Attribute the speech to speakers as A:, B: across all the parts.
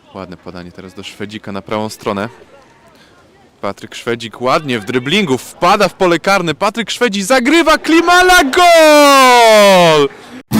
A: Ładne podanie teraz do Szwedzika na prawą stronę. Patryk Szwedzik ładnie w dryblingu wpada w pole karne. Patryk Szwedzik zagrywa Klimala, gol!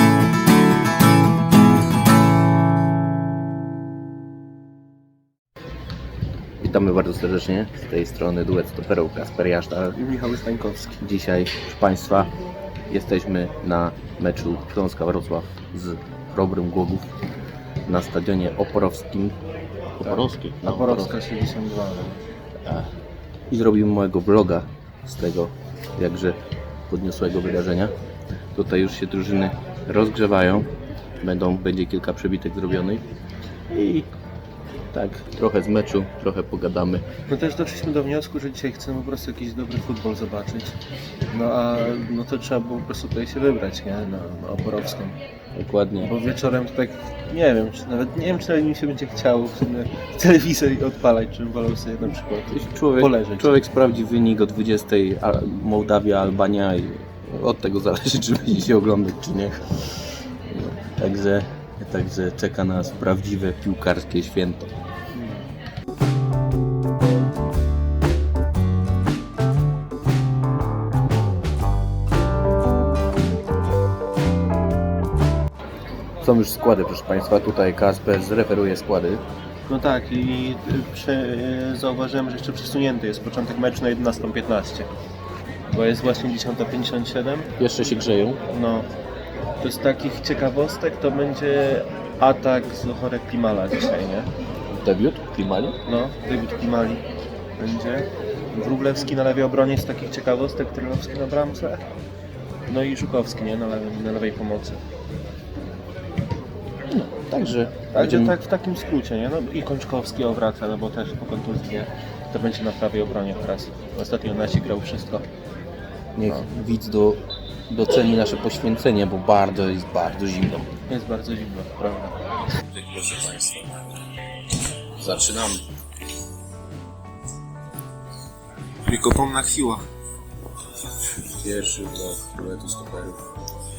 B: Witamy bardzo serdecznie z tej strony duet stoperów Kasper Jasztal
C: i Michał Stańkowski.
B: Dzisiaj, proszę Państwa, jesteśmy na meczu Śląska Wrocław z Chrobrym Głogów na stadionie oporowskim. Oporowskie? No,
C: Oporowska 72.
B: I zrobimy mojego vloga z tego jakże podniosłego wydarzenia. Tutaj już się drużyny rozgrzewają. Będzie kilka przebitek zrobionych. I tak, trochę z meczu, trochę pogadamy.
C: No też doszliśmy do wniosku, że dzisiaj chcemy po prostu jakiś dobry futbol zobaczyć. No to trzeba było po prostu tutaj się wybrać, nie? Na Oporowską.
B: Dokładnie.
C: Bo wieczorem to tak, nie wiem, czy nawet mi się będzie chciało w sumie telewizor odpalać, czy wolał sobie na przykład poleżeć.
B: Człowiek sprawdzi wynik o 20, Mołdawia, Albania i od tego zależy, czy będzie się oglądać, czy nie. No, także czeka nas prawdziwe piłkarskie święto. Są już składy, proszę Państwa. Tutaj Kasper zreferuje składy.
C: No tak, i zauważyłem, że jeszcze przesunięty jest początek meczu na 11:15. Bo jest właśnie 10:57.
B: Jeszcze się grzeją.
C: No, to z takich ciekawostek to będzie atak z Zohore Klimala dzisiaj, nie?
B: Debiut Klimali?
C: No, debiut Klimali będzie. Wróblewski na lewej obronie z takich ciekawostek, Trylowski na bramce. No i Żukowski, nie? Na lewej pomocy.
B: Także
C: Tak w takim skrócie, nie? No i Kończkowski wraca, no bo też po kontuzji, nie? To będzie na prawej obronie teraz. Ostatnio nasi grał wszystko.
B: niech widz doceni nasze poświęcenie, bo jest bardzo zimno.
C: Jest bardzo zimno, prawda?
B: Proszę Państwa, zaczynamy.
C: Wiekopomna chwila.
B: Pierwszy do duetu stoperów.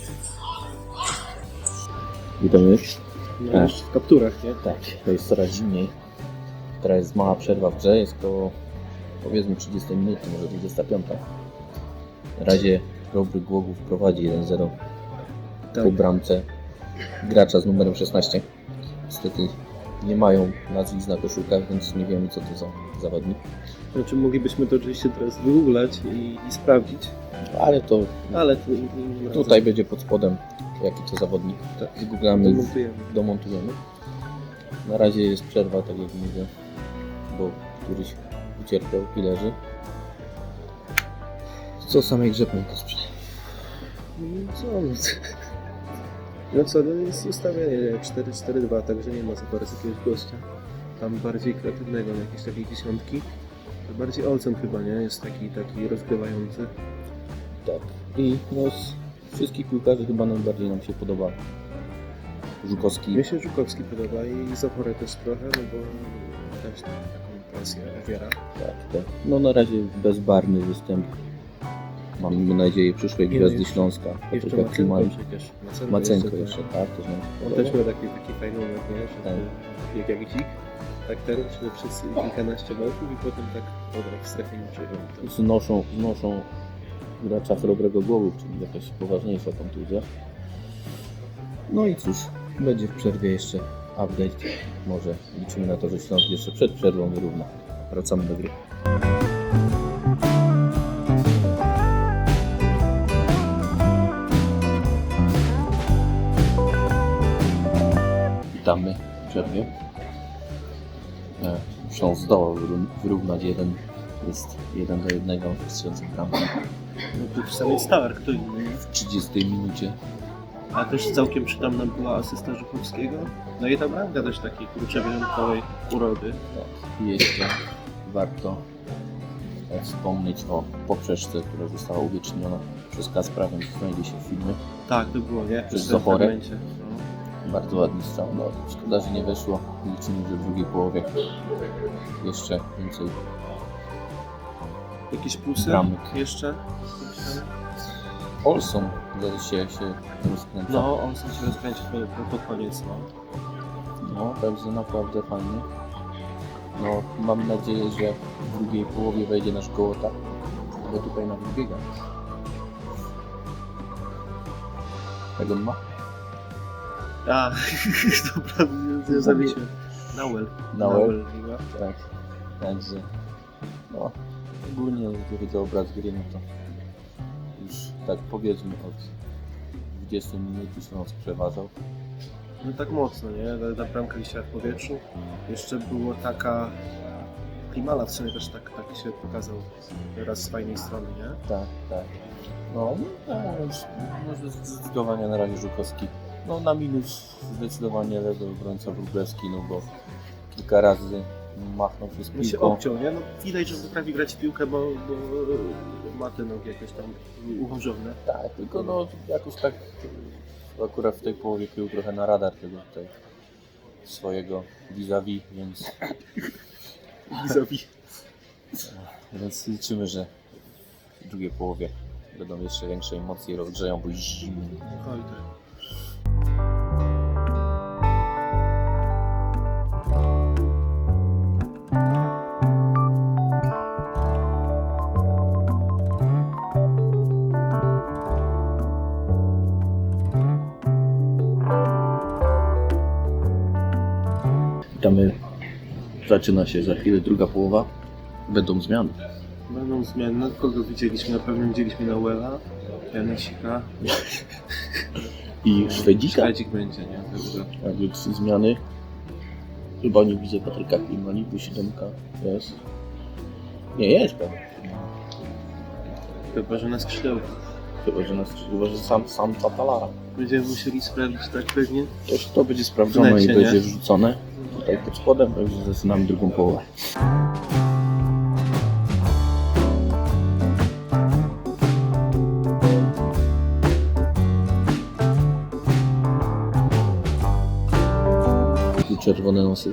B: Witamy.
C: No, już w kapturach, nie?
B: Tak, to jest coraz zimniej. Teraz jest mała przerwa w grze, jest koło powiedzmy 30 minut, może 25. Na razie Chrobrych Głogów prowadzi 1-0 po bramce gracza z numerem 16. Niestety nie mają nazwisk na koszulkach, więc nie wiemy, co to za zawodnik.
C: Znaczy moglibyśmy to oczywiście teraz wygooglać i sprawdzić.
B: Ale to tutaj
C: to
B: będzie pod spodem jaki to zawodnik.
C: Tak.
B: Zgooglamy,
C: domontujemy.
B: Na razie jest przerwa, tak jak mówię, bo któryś ucierpiał i leży. Co o samej grze pan Kasprze?
C: No co, no jest ustawienie 4-4-2, także nie ma za bardzo jakiegoś gościa. Tam bardziej kreatywnego, na jakieś takiej dziesiątki. Bardziej Olsen chyba, nie? Jest taki rozgrywający.
B: Tak. I z wszystkich piłkarzy chyba najbardziej nam się podoba Żukowski.
C: Mnie się Żukowski podoba i Zohore też trochę, no bo też taką presję owiera.
B: Tak. No na razie bezbarwny występ. Mamy nadzieję przyszłej gwiazdy Śląska.
C: Jeszcze
B: Klimali.
C: przecież.
B: Macenko jeszcze, tak.
C: On też miał taki fajny moment, nie? Że tak. Jak dzik, tak teraz przez kilkanaście metrów i potem tak w strefie niczego.
B: Znoszą gracza Chrobrego Głogów, czyli jakaś poważniejsza kontuzja. No i cóż, będzie w przerwie jeszcze update. Może liczymy na to, że Śląsk jeszcze przed przerwą wyrówna. Wracamy do gry. Witamy w przerwie. Śląsk zdołał wyrównać jest 1-1 w strzelce bramki.
C: No to sam jest Stark, kto inny.
B: W 30 minucie.
C: A też całkiem przytomna była asysta Żukowskiego. No i ta bramka też takiej kurczę wyjątkowej urody.
B: Tak. Jeszcze warto wspomnieć o poprzeczce, która została uwieczniona przez Kaspra, więc znajdzie się w filmie.
C: Tak, to było, nie?
B: Przez Zohorę. Bardzo ładny strzał. No, szkoda, że nie weszło. Liczymy, że w drugiej połowie jeszcze więcej.
C: Jakieś plusy
B: bramek
C: jeszcze?
B: Olson się rozkręca.
C: No, Olson się rozkręcił pod koniec. No.
B: No, także naprawdę fajnie. No, mam nadzieję, że w drugiej połowie wejdzie nasz Gołota, bo tutaj na biega. Jak on ma?
C: A, dobra, nie zawiecie. Nauel.
B: Nauel.
C: Liga.
B: Tak. Także, no, ogólnie jeśli chodzi o obraz gry, no to już tak powiedzmy od 20 minut już nas przeważał.
C: No tak mocno, nie? Ta bramka wisiała w powietrzu. Jeszcze było taka... Klimala w sumie też tak się pokazał raz z fajnej strony, nie?
B: Tak, tak. No, może zdecydowanie na razie Żukowski. No na minus zdecydowanie lewy obrońca Wróblewski, no bo kilka razy machnął się z
C: No się
B: piłką.
C: obciął, nie? No widać, że potrafi grać w piłkę, bo ma te nogi jakoś tam uchorzone.
B: Tak, tylko no jakoś tak akurat w tej połowie krył trochę na radar tego tutaj swojego vis-a-vis, więc liczymy, że w drugiej połowie będą jeszcze większe emocje, rozgrzeją, bo zimno.
C: Oj, tak.
B: Witamy. Zaczyna się za chwilę druga połowa. Będą zmiany.
C: Będą zmiany. No, kogo widzieliśmy? Na pewno widzieliśmy Nauela, Janusika.
B: I Szwedzika.
C: Szwedzik będzie, nie? Także...
B: Także 3 zmiany. Chyba nie widzę Patryka Klimali, bo 7 jest. Nie jest pewnie.
C: Chyba, że na skrzydełku.
B: Chyba, że sam Tatalara.
C: Będziemy musieli sprawdzić tak pewnie.
B: To będzie sprawdzone
C: Wnecie,
B: i będzie
C: nie?
B: wrzucone tutaj pod spodem, także zaczynamy drugą połowę. Tu czerwone nosy.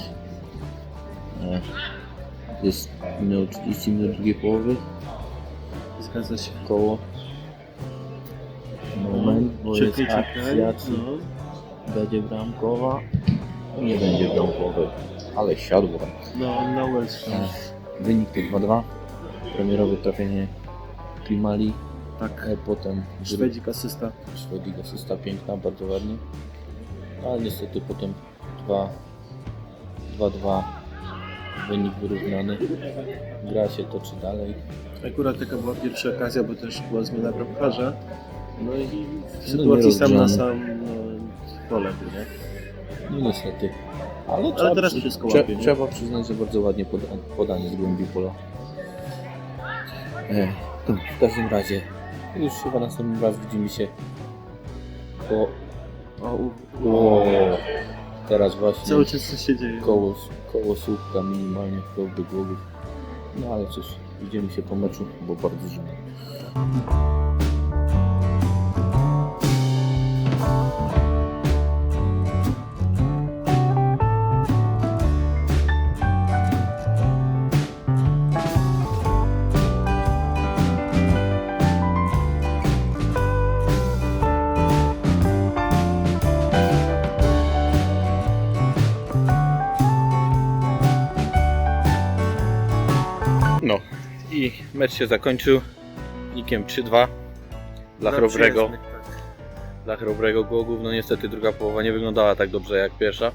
B: Jest minęło 30 minut drugiej połowy.
C: Zgadza się.
B: Koło. Moment, bo jest
C: Czekaj.
B: akcja, czy
C: No.
B: będzie bramkowa. Nie będzie bramkowej, ale siadło.
C: No, Nauel.
B: Wynik to 2-2. Premierowe trafienie Klimali.
C: Tak.
B: Potem
C: Szwedzik asysta.
B: Szwedzik asysta piękna, bardzo ładnie. Ale niestety potem 2-2. Wynik wyrównany. Gra się toczy dalej.
C: Akurat taka była pierwsza okazja, bo też była zmiana bramkarza. No i w
B: No,
C: sytuacji sam na
B: nierozgrzany.
C: sam pole, nie?
B: No niestety. Ale
C: teraz wszystko łapie, nie?
B: trzeba przyznać, że bardzo ładnie podanie z głębi pola. W każdym razie już chyba następnym raz widzimy się po... Teraz właśnie
C: Cały czas coś się dzieje.
B: koło słupka minimalnie dobry głowów. No ale cóż, widzimy się po meczu, bo bardzo zimno. No i mecz się zakończył wynikiem 3-2 dla Chrobrego. Dla Chrobrego Głogów. No niestety druga połowa nie wyglądała tak dobrze jak pierwsza.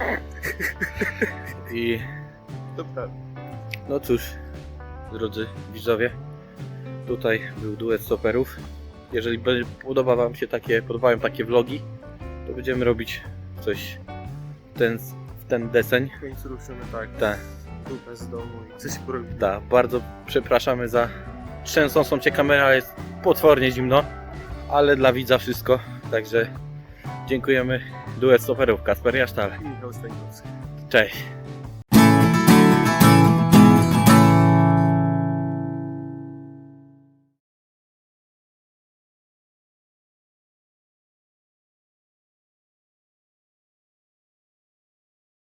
B: I
C: To prawda.
B: no cóż, drodzy widzowie, tutaj był duet stoperów. Jeżeli podobają Wam się takie vlogi, to będziemy robić coś w ten deseń.
C: W końcu ruszymy tak.
B: Tak.
C: Dupę z domu i coś porobić.
B: Tak, bardzo przepraszamy za trzęsącą cię kamerę, ale jest potwornie zimno, ale dla widza wszystko, także dziękujemy. Duet stoperów, Kacper Jasztal.
C: Michał Stańkowski.
B: Cześć.